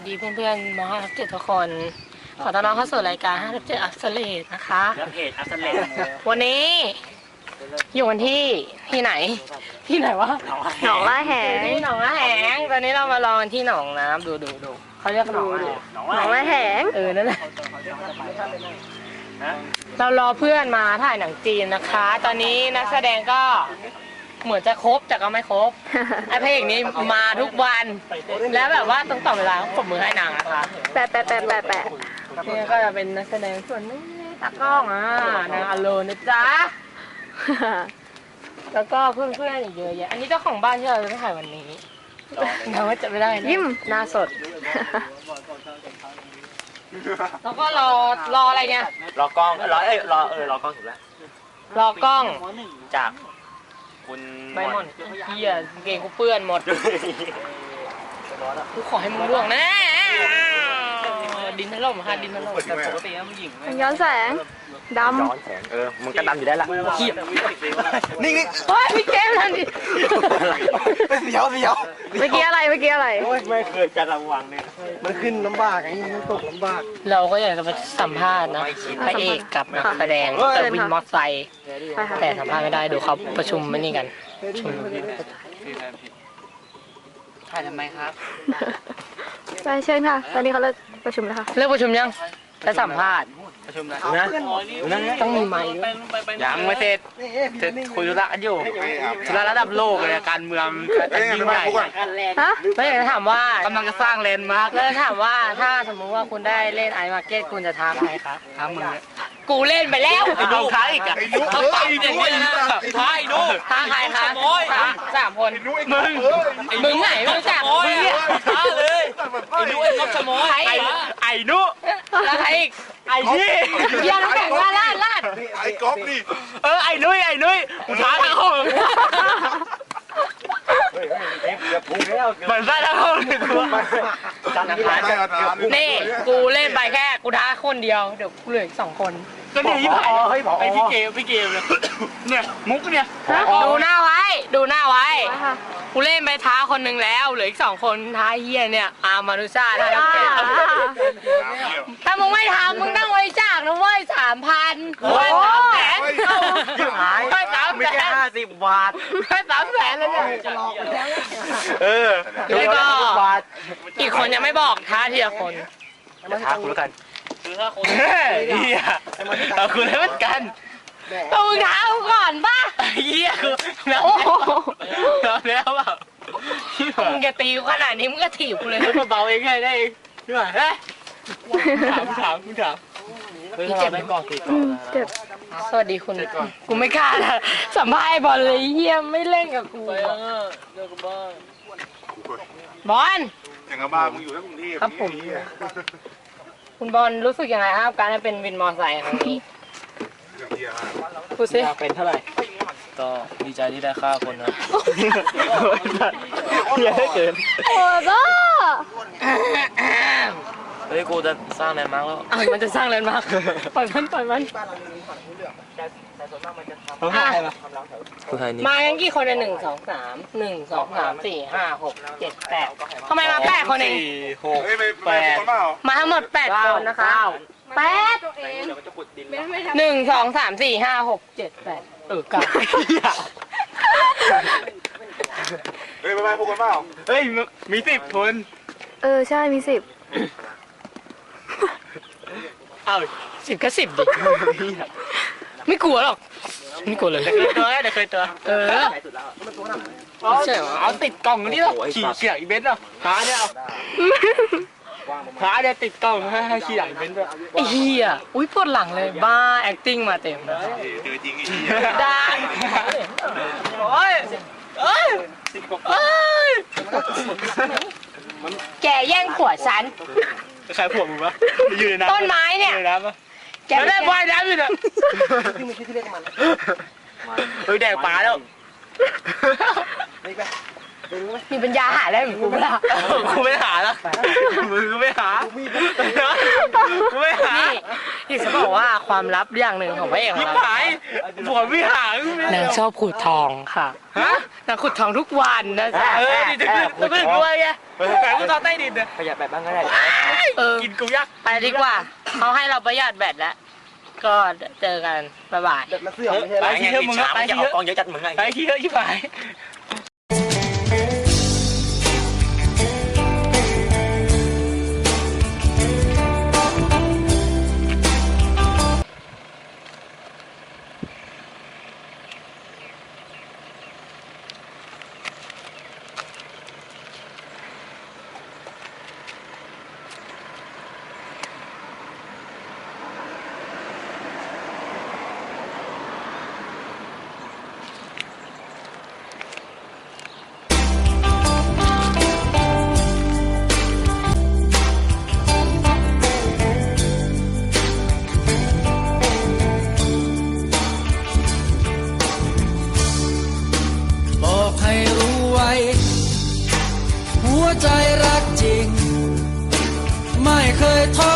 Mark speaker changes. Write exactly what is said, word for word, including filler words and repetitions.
Speaker 1: ดีเพื่อนๆม .ห้า ทับ เจ็ดทุกคนขอต้อนรับเข้าสู่รายการ ห้า ทับ เจ็ด อักษรเลตนะคะ
Speaker 2: เพจอักษรเลต
Speaker 1: วันนี้อยู่กันที่ที่ไหนที่ไหนวะ
Speaker 3: หนองล่าแหง
Speaker 1: ที่หนองล่าแหงตอนนี้เรามาลองที่หนองน้ำดูดูดูเขาเรียกหนองอะไร
Speaker 3: หนองล่าแหง
Speaker 1: เออนั่นแหละเรารอเพื่อนมาถ่ายหนังจีนนะคะ ตอนนี้นักแสดงก็เหมือนจะครบแต่ก็ไม่ครบไอ้พระเอกนี้มาทุกวันแล้วแบบว่าต้องต่อเวลาปรบมือให้นางนะคะ
Speaker 3: แปะแปะแปะแปะแปะ
Speaker 1: นี่ก็จะเป็นนักแสดงส่วนนี้ตากล้องอ่ะนางอโลนะจ๊ะแล้วก็เพื่อนๆอีกเยอะแยะอันนี้เจ้าของบ้านที่เราจะถ่ายวันนี้เราว่าจะไม่ได้
Speaker 3: ยิ้ม
Speaker 1: หน้าสดแล้วก็รอรออะไรเนี่ย
Speaker 2: รอกล้องรอเอ้ยรอเออรอกล้องถูกแล้ว
Speaker 1: รอกล้อง
Speaker 2: จากคุณ
Speaker 1: ใบหม่อนเฮียเก่งกูเปื้อนหมดกูขอให้มึงล่วงนะดินถล่มค่ะดินถล่มแต่ปกติแล้วผู้หญิง
Speaker 3: ย้อนแสงดำ
Speaker 2: ย้อนแสงเออมันก็ดำอยู่ได้ละ
Speaker 1: เฮีย
Speaker 2: นิ่งนิ่ง
Speaker 1: เฮ้ยพี่เกมทันดิ
Speaker 2: เสียวเสียว
Speaker 3: เมื่อกี้อะไรเมื่อกี้อะไร
Speaker 2: ไม่เคยจะระวังเนี่ยมันขึ้นลำบากไงมันตกลำบาก
Speaker 1: เราก็อยากจะมาสัมภาษณ์นะพระเอกกับนักแสดงแต่วินมอเตอร์ไซค์แต่สัมภาษณ์ไม่ได้ดูเขาประชุมไม่นี่กันชุม
Speaker 2: ถ่ายทำไมครับ
Speaker 3: ไปเชิญค่ะตอนนี้เขาเลิกประชุมแล้วค่ะ
Speaker 1: เลิกประชุมยังจะสัมภาษณ์
Speaker 2: ประชุมนะนะ
Speaker 1: ต้องมีไมค์
Speaker 2: ยังไม่เสร็จเสร็จคุยธุระกันอยู่ธุระระดับโลกเลยการเมืองยิ่งใหญ่
Speaker 3: ฮะ
Speaker 1: ไม่อยากจะถามว่าก
Speaker 2: ำลังจะสร้างเลนด์มาร์ค
Speaker 1: แล้วถามว่าถ้าสมมุติว่าคุณได้เล่นไอมาร์เก็ตคุณจะท้าใครครับ
Speaker 2: ท้ามึง
Speaker 1: กูเล่นไปแล้ว
Speaker 2: ไอ้ดูท้าอีกอ่ะ
Speaker 1: เขาตอบอย่างนี้นะท้าไอ้ดูท้าใครครับสามคน
Speaker 2: มึง
Speaker 1: มึงไหนมึงจับมึงเนี่ย
Speaker 2: ท้าเลยไอ้ดูไอ้ก๊อฟชะมอยไอ้ไอ้นุ
Speaker 1: แล้วใครอีก
Speaker 2: ไอ้ที่
Speaker 1: เยี่ยมแข่งว่าลาดลาด
Speaker 4: ไอ้ก๊อฟนี่
Speaker 2: เออไอ้นุ้ยไอ้นุ้ยกูท้าทั้งห้องเหมือนได้ทั้งห้องเลยกู
Speaker 1: นี่กูเล่นไปแค่กูท้าคนเดียวเดี๋ยวกูเหลืออีกสองคน
Speaker 2: ก็เนี่ยยี่ห้อเฮ้ยไอ้พี่เกมพี่เกมเลยเนี่ยมุกเนี่ย
Speaker 1: ดูหน้าไว้ดูหน้าไว้กูเล่นไปท้าคนหนึ่งแล้วเหลืออีกสองคนท้าเฮียเนี่ยอามานุชาท้าน้ำเกลือถ้ามึงไม่ทำมึงนั่งไว้จากนะเว้ยสามพันไม่สามแสนไม่สามแสน
Speaker 2: ห้าสิบบาท
Speaker 1: ไม่สามแสนเลยเนี่ย
Speaker 2: เออ
Speaker 1: แล้วก็อีกคนยังไม่บอกท้าทีละคน
Speaker 2: จะท้าคุณแล้วกันคือถ้าคนเฮียเอาคุณแล้วกัน
Speaker 1: ต้องมึงท้ากูก่อนป่ะ
Speaker 2: เฮียคือแล้วแล้วแล้วเปล่า
Speaker 1: มึงจะตีกูขนาดนี้มึงก็ถีบกูเลย
Speaker 2: เบาเองไงได้เองใช่ไหมเฮ้ยถามถามถาม
Speaker 1: พี่เจ็บไหมก่อนตีก่อน
Speaker 3: เจ็บ
Speaker 1: สวัสดีคุณกูไม่กล้านะสัมภาษณ์บอลเลยเฮียไม่เล่นกับกูบอล
Speaker 4: อย่างกับบ้านมึงอยู่ที่กรุงเทพ
Speaker 1: ครับผมคุณบอลรู้สึกยังไงครับการเป็นวินมอเตอร์ไซค์ครั้งนี้พูดสิ
Speaker 2: เป็นเท่าไหร่ก็ดีใจที่ได้ค่าคนนะเยอะเกิน
Speaker 3: โอ้ก็
Speaker 2: เฮ้ยกูจะสร้างแลนด์มาร์กแล้ว
Speaker 1: อ้าวมันจะสร้างแลนด์มาร์กปล่อยมันปล่อยมัน
Speaker 2: เขาให้ใครมา
Speaker 1: มากันกี่คนเนี่ยหนึ่งสองสามหนึ่งสองสามสี่ห้าหกเจ็ดแปดทำไมมาแปดคนเอง
Speaker 2: สี่หกแปด
Speaker 1: มาทั้งหมดแปดคนนะคะแปดหนึ่งสองสามสี่ห้าหกเจ็ดแปดเออเก้า
Speaker 4: เฮ้ยไปไปพวกกันเปล่า
Speaker 2: เฮ้ยมีสิบคน
Speaker 3: เออใช่มีสิบ
Speaker 1: เอ้าสิบก็สิบดิไม่กลัวหรอกไม่กลัวเลย
Speaker 2: เดี๋ยวเคยตัวเดี๋ยวเคยตัว
Speaker 1: เออ
Speaker 2: ใช่เหรอเอาติดกล่องนี่หรอขี่เขี่ยอีเวนต์เหรอหาเนี่ยเอาหาเนี่ยติดกล่องให้ให้ขี่อีเวนต์ด้วย
Speaker 1: ไอ้เหี้ยอุ้ยปวดหลังเลยบ้า acting มาเต็ม
Speaker 4: จริงจริง
Speaker 1: ได้โอ้ยเอ้ยเอ้ยแกแย่งผัวฉัน
Speaker 2: ใครผัวมึงวะอยู่ในน้
Speaker 1: ำต้นไม้เนี่ย
Speaker 2: แกได้ว่ายน้ำอยู่เนี่ยเฮ้ยแดงปลาแล้ว
Speaker 1: มีปัญญาหาได้เหมือนกูเปล่า
Speaker 2: กูไม่หาละมึงก็ไม่หากูไม่หา
Speaker 1: นี่อยากจะบอกว่าความลับอย่างหนึ่งของพระเอกขอ
Speaker 2: ยิ
Speaker 1: ง
Speaker 2: บ
Speaker 1: เรา
Speaker 2: หายผัวไม่หา
Speaker 1: นางชอบขุดทองค่ะ
Speaker 2: ฮะ
Speaker 1: นางขุดทองทุกวันนะจ๊ะ
Speaker 2: เออนี่จะขึ้นจะขึ้นด้วยไงแต่กูตอนใต้ดินเนี่ย
Speaker 5: ประหยัดแบบบ้างก็ได้
Speaker 1: เออ
Speaker 2: กินกูยักษ์
Speaker 1: ไปดีกว่าเขาให้เราประหยัดแบตแล้วก็เจอกันบ๊ายบาย
Speaker 5: มาเสื่อมไม่ใช่
Speaker 2: ไปที่เถอะมึงไปที่เถอะ
Speaker 5: กองเยอะจัดมึงไง
Speaker 2: ไปที่เถอะชิบหาย
Speaker 6: บอกให้รู้ไว้ หัวใจรักจริง ไม่เคยท้อ